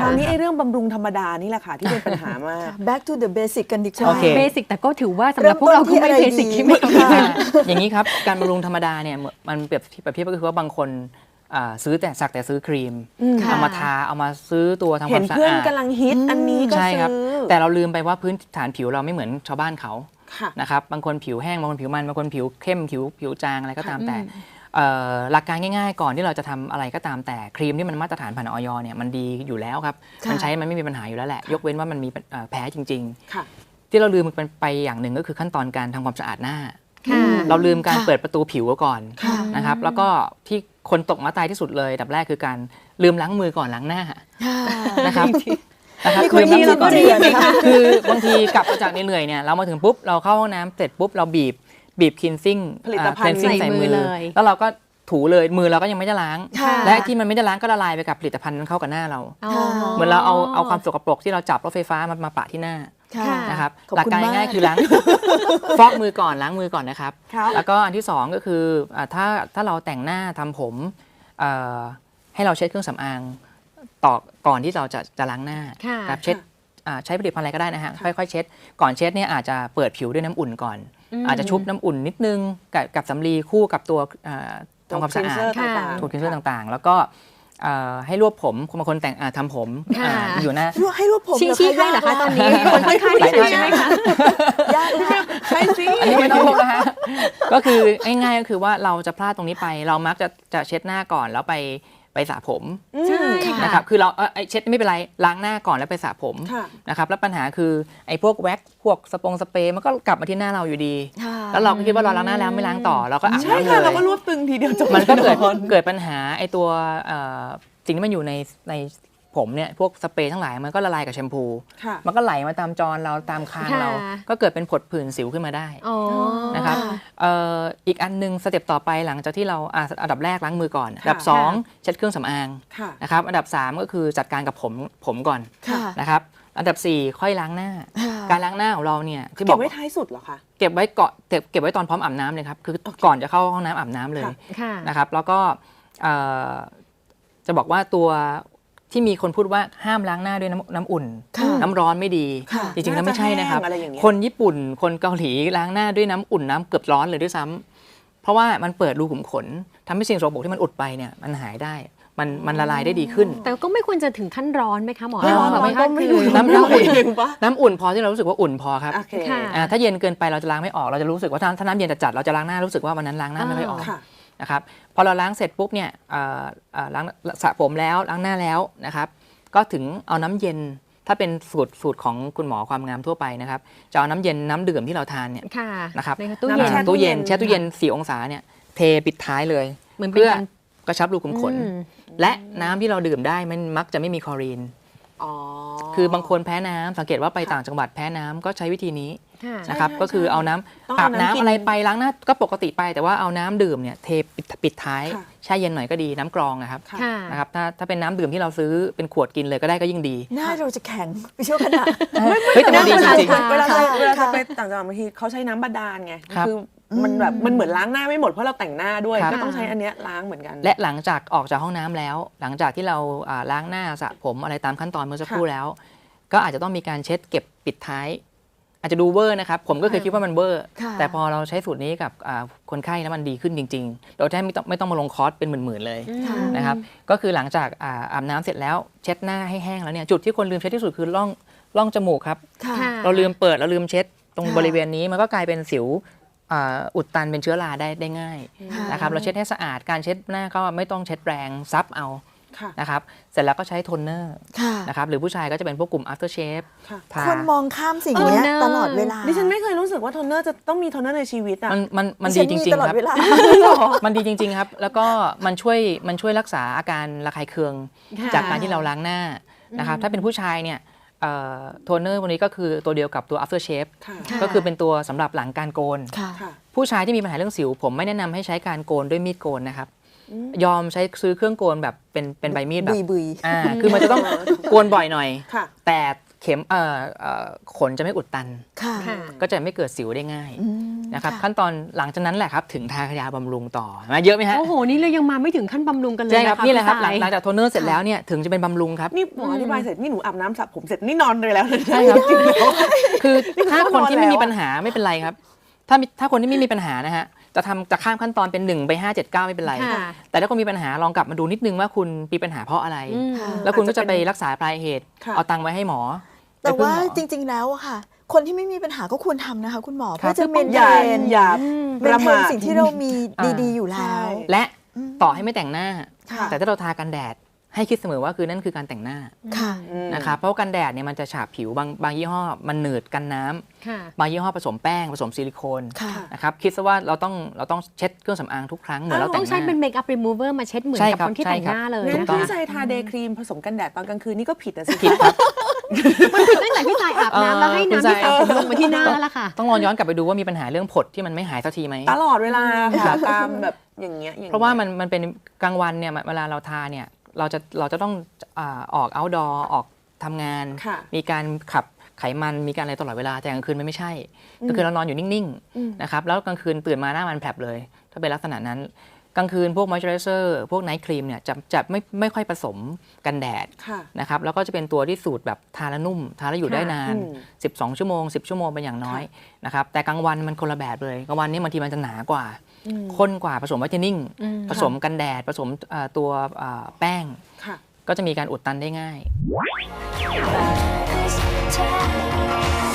คราวนี้ไอ้เรื่องบำรุงธรรมดานี่แหละค่ะที่เป็นปัญหา มาก back to the basic กันดีกว่าโอเคเบสิกแต่ก็ถือว่าสำหรับพวกเราก็ไม่เบสิกที่ไม่อย่างนี้ครับการบำรุงธรรมดาเนี่ยมันเปรียบเทียบก็คือว่าบางคนซื้อแต่ซื้อครีมเอามาทาเอามาซื้อตัวทำความสะอาดเห็นเพื่อนกำลังฮิตอันนี้ก็ใช่ครับซื้อแต่เราลืมไปว่าพื้นฐานผิวเราไม่เหมือนชาวบ้านเขาค่ะนะครับบางคนผิวแห้งบางคนผิวมันบางคนผิวเข้มผิวจางอะไรก็ตามแต่หลักการง่ายๆก่อนที่เราจะทำอะไรก็ตามแต่ครีมที่มันมาตรฐานผ่านอยเนี่ยมันดีอยู่แล้วครับมันใช้มันไม่มีปัญหาอยู่แล้วแหละยกเว้นว่ามันมีแพ้จริงๆที่เราลืมไปอย่างหนึ่งก็คือขั้นตอนการทำความสะอาดหน้าเราลืมการเปิดประตูผิวก่อนนะครับแล้วก็ที่คนตกมาตายที่สุดเลยดับแรกคือการลืมล้างมือก่อนล้างหน้านะครับมีคนที่เราก็เรียนนะคะคือบางทีกลับมาจากเหนื่อยเนี่ยเรามาถึงปุ๊บเราเข้าห้องน้ำเสร็จปุ๊บเราบีบคลีนซิ่งผลิตภัณฑ์ใส่มือเลยแล้วเราก็ถูเลยมือเราก็ยังไม่ได้ล้างและที่มันไม่ได้ล้างก็ละลายไปกับผลิตภัณฑ์นั้นเข้ากับหน้าเราเหมือนเราเอาความสกปรกที่เราจับรถไฟฟ้ามาปะที่หน้านะครับหลักการง่ายๆคือล้างฟอกมือก่อนล้างมือก่อนนะครับแล้วก็อันที่2ก็คือถ้าเราแต่งหน้าทำผมให้เราเช็ดเครื่องสำอางก่อนที่เราจะล้างหน้าครับเช็ดใช้ผลิตภัณฑ์อะไรก็ได้นะฮะค่อยๆเช็ดก่อนเช็ดเนี่ยอาจจะเปิดผิวด้วยน้ำอุ่นก่อนอาจจะชุบน้ำอุ่นนิดนึงกับสำลีคู่กับตัวทำความสะอาดตัวคลีนเซอร์ต่างๆแล้วก็ให้รวบผมบางคนแต่งทำผมอยู่หน้าให้รวบผมชี้ให้เหรอคะตอนนี้คนข้างๆที่ใช่ไหมคะยากเลยใช่สิอันนี้ไม่ต้องรวบนะฮะก็คือง่ายๆก็คือว่าเราจะพลาดตรงนี้ไปเรามักจะเช็ดหน้าก่อนแล้วไปสระผมนะครับคือเราเช็ดไม่เป็นไรล้างหน้าก่อนแล้วไปสระผมนะครับแล้วปัญหาคือไอ้พวกแว็กพวกสเปรย์มันก็กลับมาที่หน้าเราอยู่ดีแล้วเราก็คิดว่าเราล้างหน้าแล้วไม่ล้างต่อเราก็อาบน้ำเลยใช่ค่ะเราก็รวบตึงทีเดียวจบมันก็เกิดปัญหาไอ้ตัวสิ่งที่มันอยู่ในผมเนี่ยพวกสเปรย์ทั้งหลายมันก็ละลายกับแชมพูมันก็ไหลมาตามจรเราตามคางเราก็เกิดเป็นผดผื่นสิวขึ้นมาได้นะครับอีกอันนึงสเต็ปต่อไปหลังจากที่เราอันดับแรกล้างมือก่อนอันดับ2เช็ดเครื่องสำอางนะครับอันดับ3ก็คือจัดการกับผมก่อนนะครับอันดับ4ค่อยล้างหน้าการล้างหน้าของเราเนี่ยที่บอกเก็บไว้ท้ายสุดเหรอคะเก็บไว้ตอนพร้อมอาบน้ำเลยครับคือก่อนจะเข้าห้องน้ำอาบน้ำเลยนะครับแล้วก็จะบอกว่าตัวที่มีคนพูดว่าห้ามล้างหน้าด้วยน้ำอุ่นน้ำร้อนไม่ดีจริงๆแล้วไม่ใช่นะครับคนญี่ปุ่นคนเกาหลีล้างหน้าด้วยน้ำอุ่นน้ำเกือบร้อนเลยด้วยซ้ำเพราะว่ามันเปิดรูขุมขนทำให้สิ่งสกปรกที่มันอุดไปเนี่ยมันหายได้มันละลายได้ดีขึ้นแต่ก็ไม่ควรจะถึงขั้นร้อนไหมคะหมอไม่ร้อนก็ไม่รู้น้ำอุ่นพอที่เรารู้สึกว่าอุ่นพอครับถ้าเย็นเกินไปเราจะล้างไม่ออกเราจะรู้สึกว่าถ้าน้ำเย็นจัดเราจะล้างหน้ารู้สึกว่าวันนั้นล้างหน้าไม่ค่อยออกนะครับพอเราล้างเสร็จปุ๊บเนี่ยล้างสระผมแล้วล้างหน้าแล้วนะครับก็ถึงเอาน้ำเย็นถ้าเป็นสูตรของคุณหมอความงามทั่วไปนะครับจะเอาน้ำเย็นน้ำดื่มที่เราทานเนี่ยนะครับตู้เย็นแช่ตู้เย็น4 องศาเนี่ยเทปิดท้ายเลยเพื่อกระชับรูขุมขนและน้ำที่เราดื่มได้มันมักจะไม่มีคลอรีนคือบางคนแพ้น้ำสังเกตว่าไปต่างจังหวัดแพ้น้ำก็ใช้วิธีนี้นะครับก็คือเอาน้ำอาบน้ำอะไรไปล้างหน้าก็ปกติไปแต่ว่าเอาน้ำดื่มเนี่ยเทปิดท้ายแช่เย็นหน่อยก็ดีน้ำกรองนะครับถ้าเป็นน้ำดื่มที่เราซื้อเป็นขวดกินเลยก็ได้ก็ยิ่งดีหน้าเราจะแข็งไปเชี่ยวขนาดแต่มันดีจริงๆเวลาไปต่างจังหวัดบางทีเขาใช้น้ำบาดาลไงคือมันแบบมันเหมือนล้างหน้าไม่หมดเพราะเราแต่งหน้าด้วยก็ต้องใช้อันเนี้ยล้างเหมือนกันและหลังจากออกจากห้องน้ำแล้วหลังจากที่เราล้างหน้าสระผมอะไรตามขั้นตอนเมื่อสักครู่แล้วก็อาจจะต้องมีการเช็ดเก็บปิดท้ายอาจจะดูเวอร์นะครับผมก็เคยคิดว่ามันเวอร์แต่พอเราใช้สูตรนี้กับคนไข้แล้วมันดีขึ้นจริงๆโดยที่ไม่ต้องมาลงคอร์สเป็นหมื่นๆเลยนะครับก็คือหลังจากอาบน้ำเสร็จแล้วเช็ดหน้าให้แห้งแล้วเนี่ยจุดที่คนลืมเช็ดที่สุดคือร่องจมูกครับเราลืมเปิดเราลืมเช็ดตรงบริเวณนี้มันก็กลายเป็นสิวอุดตันเป็นเชื้อราได้ง่ายนะครับเราเช็ดให้สะอาดการเช็ดหน้าก็ไม่ต้องเช็ดแรงซับเอานะครับเสร็จแล้วก็ใช้โทนเนอร์นะครับหรือผู้ชายก็จะเป็นพวกกลุ่ม after shave คนมองข้ามสิ่งนี้ตลอดเวลาดิฉันไม่เคยรู้สึกว่าโทนเนอร์จะต้องมีโทนเนอร์ในชีวิตอ่ะมันดีจริงๆครับมันดีจริงๆครับแล้วก็มันช่วยรักษาอาการระคายเคืองจากการที่เราล้างหน้านะครับถ้าเป็นผู้ชายเนี่ยโทนเนอร์วันนี้ก็คือตัวเดียวกับตัว after shave ก็คือเป็นตัวสำหรับหลังการโกนผู้ชายที่มีปัญหาเรื่องสิวผมไม่แนะนำให้ใช้การโกนด้วยมีดโกนนะครับยอมซื้อเครื่องโกนแบบเป็นใบมีดแบบคือมันจะต้องโกนบ่อยหน่อยแต่เข็มขนจะไม่อุดตันค่ะค่ะก็จะไม่เกิดสิวได้ง่ายอืมนะครับค่ะขั้นตอนหลังจากนั้นแหละครับถึงทายาบำรุงต่อมาเยอะไหมฮะโอ้โห นี่เรายังมาไม่ถึงขั้นบำรุงกันเลยใช่ครับนะคะนี่แหละครับพี่หลัสายงจากโทนเนอร์เสร็จแล้วเนี่ยถึงจะเป็นบำรุงครับนี่หมออธิบายเสร็จนี่หนูอาบน้ำสระผมเสร็จนี่นอนเลยแล้วใช่ครับจริงๆแล้วคือถ้าคนที่ไม่มีแล้วอะปัญหาไม่เป็นไรครับ ถ้าคนที่ไม่มีปัญหานะฮะจะข้ามขั้นตอนเป็น1 ไป 5 7 9ไม่เป็นไรค่ะแต่ถ้าคนมีปัญหาลองกลับมาดูนิดนึงว่าคุณมีปัญหาเพราะอะไรอืมค่ะแล้วคุณก็จะไปรักษาปลายเหตุค่ะเอาตังค์ไว้ให้หมอแต่ไปพึ่งว่าหมอจริง ๆ แล้วอะค่ะ คนที่ไม่มีปัญหาก็ควรทำนะคะ คุณหมอครัเพื่บอจะเมนอเทย่าน อย่าเมประนเทมาน ทสิ่งที่เรามีอ่าดีๆอยู่แล้วใช่และต่อให้ไม่แต่งหน้าค่ะแต่ถ้าเราทากันแดดให้คิดเสมอว่าคือนั่นคือการแต่งหน้าค่ะนะครับเพราะว่ากันแดดเนี่ยมันจะฉาบผิวบางยี่ห้อมันหนืดกันน้ำค่ะบางยี่ห้อผสมแป้งผสมซิลิโคนค่ะนะครับคิดซะว่าเราต้องเช็ดเครื่องสำอางทุกครั้งเหมือนเราแต่ต้อง งหใช้น้าเป็นเมคอัพรีมูเวอร์มาเช็ดเหมือนใช่กับครับคนที่ใช่แต่งครับหน้าเลยงั้นถูกต้องพี่ชายทาเดย์ครีมผสมกันแดดตอนกลางคืนนี่ก็ผิดนะสิผิดครับมันผิดตั้งแต่พี่สายอาบน้ำแล้วให้คุณน้ำสาที่ยสระผมลงมาที่หน้าแล้วล่ะค่ะต้องลองย้อนกลับไปดูว่ามีปัญหาเรื่องผดที่มันไม่หายสักทีไหมตลอดเวลาค่ะตามแบบอย่างเงี้ยเพราะว่ามันเป็นกลางวันเนี่ยเวลาเราทาเนี่ยเราจะต้องออก outdoor ออกทำงานค่ะมีการขับไขมันมีการอะไรตลอดเวลาแต่กลางคืนมันไม่ใช่กลางคืนเรานอนอยู่นิ่งๆนะครับแล้วกลางคืนตื่นมาหน้ามันแผลบเลย ถ้าเป็นลักษณะนั้นกลางคืนพวก moisturizer พวก night cream เนี่ยจะไม่ค่อยผสมกันแดดค่ะนะครับแล้วก็จะเป็นตัวที่สูตรแบบทาแล้วนุ่มทาแล้วอยู่ได้นานอืม 12 ชั่วโมง 10 ชั่วโมงเป็นอย่างน้อยนะครับแต่กลางวันมันคนละแบบเลยกลางวันนี่บางทีมันจะหนากว่าข้นกว่าผสมไวท์เทนนิ่งผสมกันแดดผสมตัวแป้งค่ะก็จะมีการอุดตันได้ง่าย Time